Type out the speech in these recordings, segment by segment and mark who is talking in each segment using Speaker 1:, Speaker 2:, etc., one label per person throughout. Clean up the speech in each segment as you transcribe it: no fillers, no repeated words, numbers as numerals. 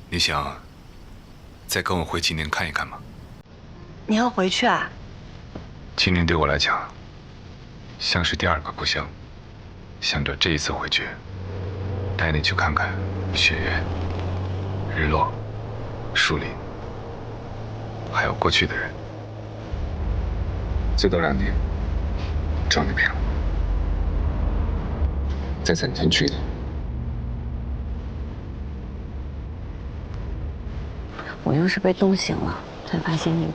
Speaker 1: 你想再跟我回秦岭看一看吗？
Speaker 2: 你要回去啊？
Speaker 1: 秦岭对我来讲，像是第二个故乡。想着这一次回去，带你去看看雪原、日落、树林，还有过去的人。最多2天，找你陪了。再3天去一趟。
Speaker 2: 我又是被冻醒了，才发现你。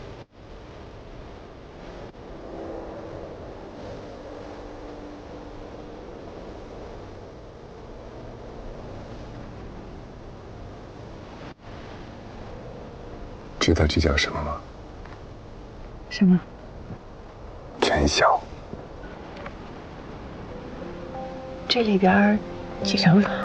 Speaker 1: 知道这叫什么吗？
Speaker 2: 什么？
Speaker 1: 全消。
Speaker 2: 这里边几张床？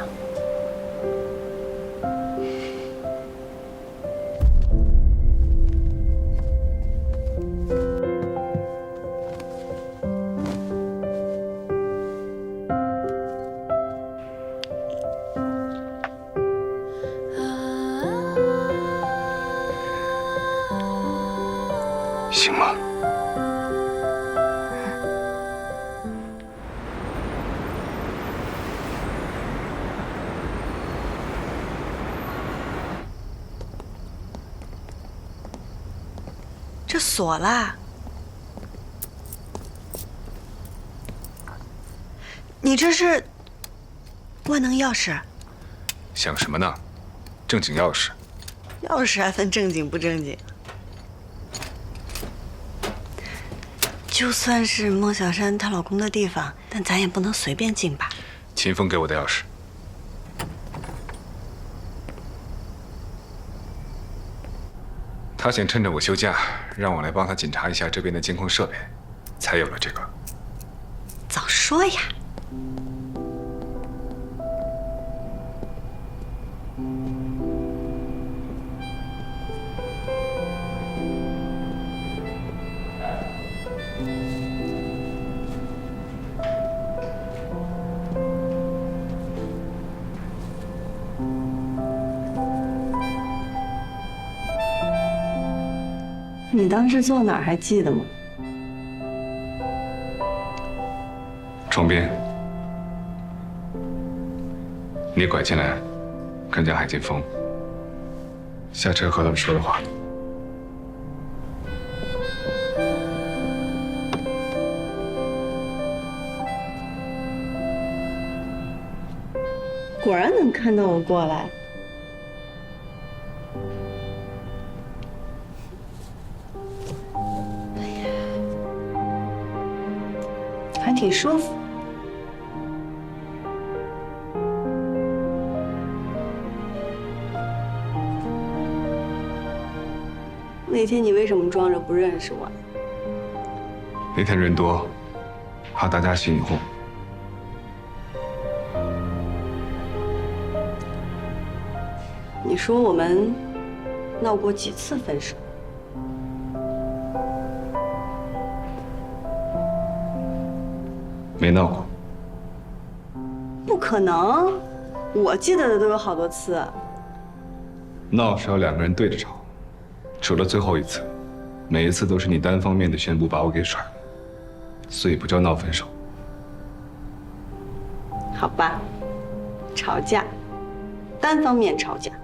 Speaker 1: 行吗？
Speaker 2: 这锁啦！你这是万能钥匙？
Speaker 1: 想什么呢？正经钥匙。
Speaker 2: 钥匙还分正经不正经？就算是孟小山她老公的地方，但咱也不能随便进吧？
Speaker 1: 秦风给我的钥匙。他想趁着我休假，让我来帮他检查一下这边的监控设备，才有了这个。
Speaker 2: 早说呀！你当时坐哪儿还记得吗？
Speaker 1: 床边。你拐进来，看见海剑锋，下车和他们说的话。
Speaker 2: 果然能看到我过来。还挺舒服。那天你为什么装着不认识我？
Speaker 1: 那天人多，怕大家起你哄。
Speaker 2: 你说我们闹过几次分手？
Speaker 1: 没闹过。
Speaker 2: 不可能，我记得的都有好多次。
Speaker 1: 闹是要2个人对着吵，除了最后一次，每一次都是你单方面的宣布把我给甩了，所以不叫闹分手。
Speaker 2: 好吧，吵架，单方面吵架。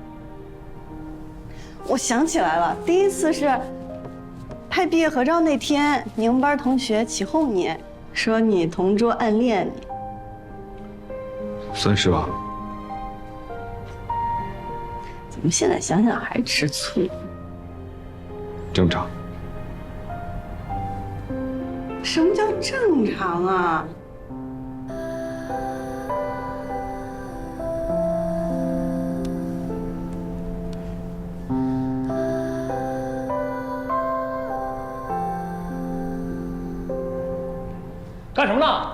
Speaker 2: 我想起来了，第一次是拍毕业合照那天，你们班同学起哄你，说你同桌暗恋你。
Speaker 1: 算是吧。
Speaker 2: 怎么现在想想还吃醋？
Speaker 1: 正常。
Speaker 2: 什么叫正常啊？
Speaker 3: 干什么呢？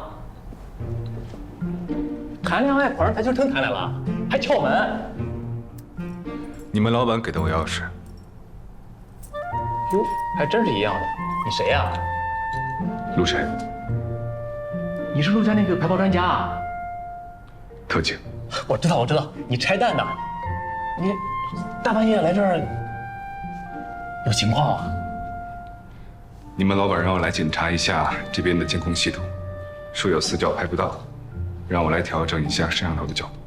Speaker 3: 谈恋爱跑上台球厅谈来了，还撬门。
Speaker 1: 你们老板给的我钥匙。
Speaker 3: 哟，还真是一样的。你谁呀？
Speaker 1: 陆晨。
Speaker 3: 你是陆家那个排爆专家啊？
Speaker 1: 特警。
Speaker 3: 我知道，你拆弹的。 你大半夜来这儿有情况啊？
Speaker 1: 你们老板让我来检查一下这边的监控系统，说有死角拍不到，让我来调整一下摄像头的角度。